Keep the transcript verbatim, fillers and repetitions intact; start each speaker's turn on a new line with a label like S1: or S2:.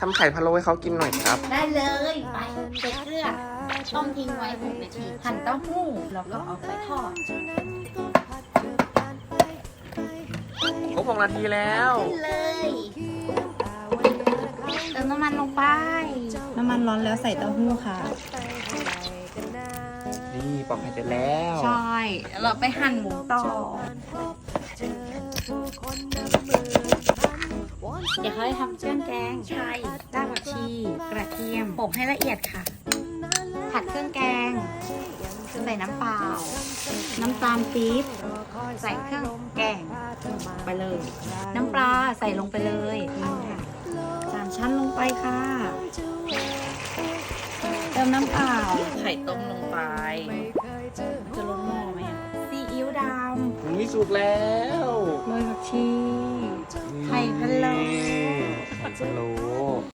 S1: ทำไข่พะโล้ให้เขากินหน่อยครับ
S2: ได้เลยไปใส่เกลือต้มทิ้งไว้หกนาทีหั่นเต้าหู้แล้วก็เอาไปทอด
S1: ครบหกนาทีแล้ว
S2: ขึ้นเลยเติมน้ำมันลงไป
S3: น้ำมันร้อนแล้วใส่เต้าหู้ค่ะ
S1: นี่ปอกไข่เสร็จแล้ว
S2: ใช่เราไปหั่นหมูต่อเดี๋ยวเขาจะทำเครื่องแกงไทยรากผักชี กระเทียมโปะให้ละเอียดค่ะ ผัดเครื่องแกง ใส่น้ำเปล่า น้ำตาลปี๊บ ใส่เครื่องแกงไปเลย น้ำปลาใส่ลงไปเลยสามชั้นลงไปค่ะ เติมน้ำเปล่า
S3: ไข่ต้มลงไป จะล้นหม้อไหมอ่ะ
S2: ซีอิ๊วด
S1: นี่สุกแล้ว
S2: ำโรยผักชี ไข่พะโล้
S1: ไข่พะโล้